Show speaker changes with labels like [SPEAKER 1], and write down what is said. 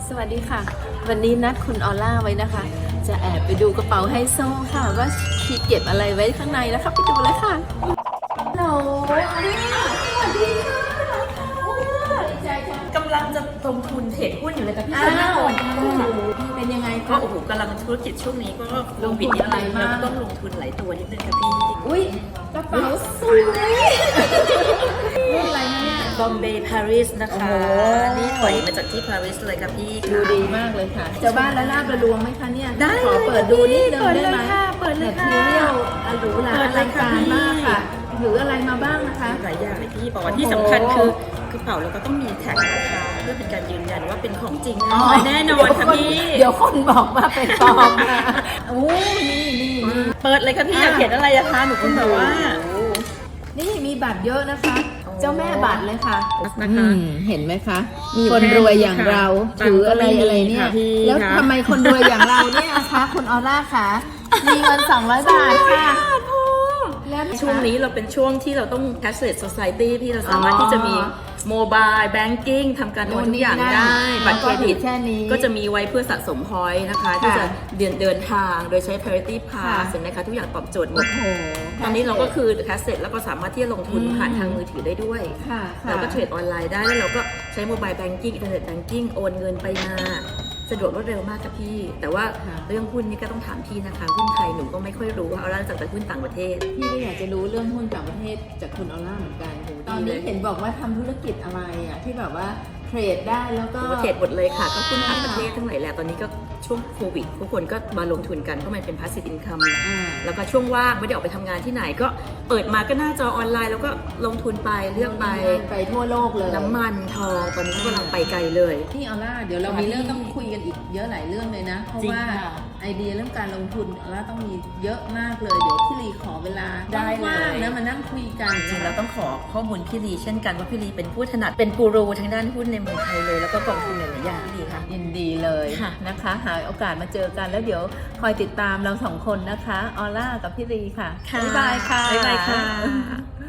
[SPEAKER 1] สวัสดีค่ะวันนี้นัดคุณออล่าไว้นะคะจะแอบไปดูกระเป๋าไฮโซค่ะว่าชีเก็บอะไรไว้ข้างในนะคะไปดูเลยค่ะฮัลโหลออล่าสวัสดีค่ะดีใจจัง
[SPEAKER 2] กำลังจะลงทุนเทรดหุ้นอยู่เลยค่ะพี่
[SPEAKER 1] อ้าว
[SPEAKER 2] พี่
[SPEAKER 1] เป็นยังไง
[SPEAKER 2] ก็
[SPEAKER 1] คะ
[SPEAKER 2] โอ้โหกำลังธุรกิจช่วงนี้ก็
[SPEAKER 1] ลงทุนอะไรมาก
[SPEAKER 2] แล้วก็ต้องลงทุนหลายตัวนิดนึงค่ะพี่
[SPEAKER 1] อุ้ยกระเป๋าสวยรุ่นอะไรเนี่ย
[SPEAKER 2] บอมเบย์ปารีสนะคะ
[SPEAKER 1] โอ้โห
[SPEAKER 2] นี่ถอยมาจากที่ปารีสเลยค่ะพี่
[SPEAKER 1] ดูดีมากเลยค่ะเจ้าบ้านละลาบละลวงไหมคะเนี่ย
[SPEAKER 2] ได้
[SPEAKER 1] ขอเปิดดูนิดนึงได้ไหม
[SPEAKER 2] เปิดเลยค่ะ
[SPEAKER 1] แมทเทียลหรูหรา
[SPEAKER 2] เปิ
[SPEAKER 1] อ
[SPEAKER 2] ดเล
[SPEAKER 1] ลั
[SPEAKER 2] ย
[SPEAKER 1] ง
[SPEAKER 2] ค่ะ
[SPEAKER 1] การมากค่ะถืออะไรมาบ้างนะคะ
[SPEAKER 2] หลายอย่างเลยพี่บอกว่าที่สำคัญคือกระเป๋าเราก็ต้องมีแท็กนะคะเพื่อเป็นการยืนยันว่าเป็นของจริงแน่นอนค่ะพี่
[SPEAKER 1] เดี๋ยวคนบอกว่าเป็นปลอมนะโอ้นี่
[SPEAKER 2] เปิดเลยค่ะพี่อยากเห็นอะไรอะคะหนูคุณแบบว่า
[SPEAKER 1] นี่มีบัตรเยอะนะคะ
[SPEAKER 2] โอ้
[SPEAKER 1] เจ้าแม่บัตรเลยค่ะ
[SPEAKER 2] นะคะ
[SPEAKER 1] เห็นไหมคะ
[SPEAKER 2] มีอยู่
[SPEAKER 1] คนรวยอย่างเรา
[SPEAKER 2] แค่นี้ค่ะ
[SPEAKER 1] ถืออะไร
[SPEAKER 2] ตังค์ก็ไม่มี
[SPEAKER 1] อะไรเนี่ย
[SPEAKER 2] ค่ะพี่
[SPEAKER 1] แล้ว
[SPEAKER 2] ค่ะ
[SPEAKER 1] ทำไมคนรวยอย่างเราเนี่ยคะคุณออร่าคะมีเงิน200 บาทค่ะแล้ว
[SPEAKER 2] ช่วงนี้เราเป็นช่วงที่เราต้อง cashless society ที่เราสามารถที่จะมี mobile banking ทำการโอนทุกอย่างได้ บัตรเครดิต
[SPEAKER 1] แค่นี้
[SPEAKER 2] ก็จะมีไว้เพื่อสะสม point นะคะ ที่จะเดินทางโดยใช้ priority pass เห็นไหมคะทุกอย่างตอบโจทย์หมด
[SPEAKER 1] โอ้โห
[SPEAKER 2] ตอนนี้เราก็คือ cashless แล้วก็สามารถที่จะลงทุนผ่านทางมือถือได้ด้วย
[SPEAKER 1] ค่ะ
[SPEAKER 2] เราก็เทรดออนไลน์ได้แล้วเราก็ใช้ mobile banking internet banking โอนเงินไปมาสะดวกรวดเร็วมากค่ะพี่ แต่ว่าเรื่องหุ้นนี่ก็ต้องถามพี่นะคะ หุ้นไทยหนูก็ไม่ค่อยรู้เอาล่ะจากแต่หุ้นต่างประเทศ
[SPEAKER 1] พี่ก็อยากจะรู้เรื่องหุ้นต่างประเทศจากคุณออร่าเหมือนกันตอนนี้เห็นบอกว่าทำธุรกิจอะไรอ่ะที่แบบว่าเทรดได้แล้วก็
[SPEAKER 2] เทรดหมดเลยค่ะก็หุ้นต่างประเทศทั้งหลายแหละตอนนี้ก็ช่วงโควิดทุกคนก็มาลงทุนกันเพราะมันเป็น passive income แล้วก็ช่วงว่างไม่ได้ออกไปทำงานที่ไหนก็เปิดมาก็หน้าจอออนไลน์แล้วก็ลงทุนไปเลือกไป
[SPEAKER 1] ทั่วโลกเลย
[SPEAKER 2] น้ำมันทองตอนนี้กำลังไปไกลเลย
[SPEAKER 1] พี่ออร่าเดี๋ยวเรามีเรื่องต้องคุยกันอีกเยอะหลายเรื่องเลยนะ เพราะ
[SPEAKER 2] จริง
[SPEAKER 1] ว่า
[SPEAKER 2] ค่ะ
[SPEAKER 1] ไอเดียเรื่องการลงทุนออร่าต้องมีเยอะมากเลยเดี๋ยวพี่ลีขอเวลา
[SPEAKER 2] ได้เลย
[SPEAKER 1] ว่างๆนะมานั่งคุยกัน
[SPEAKER 2] จริงๆเราต้องขอข้อมูลพี่ลีเช่นกันว่าพี่ลีเป็นผู้ถนัดเป็นกูรูทางด้านหุ้นในเมืองไทยเลยแล้วก็กองทุนหลายๆอย่างพี่ลีค่ะ
[SPEAKER 1] ยินดีเลย
[SPEAKER 2] ค่ะ
[SPEAKER 1] นะคะหาโอกาสมาเจอกันแล้วเดี๋ยวคอยติดตามเราสองคนนะคะออร่ากับพี่ลีค่ะ
[SPEAKER 2] ค่ะ
[SPEAKER 1] บ๊ายบายค่ะ
[SPEAKER 2] บ๊ายบายค่ะ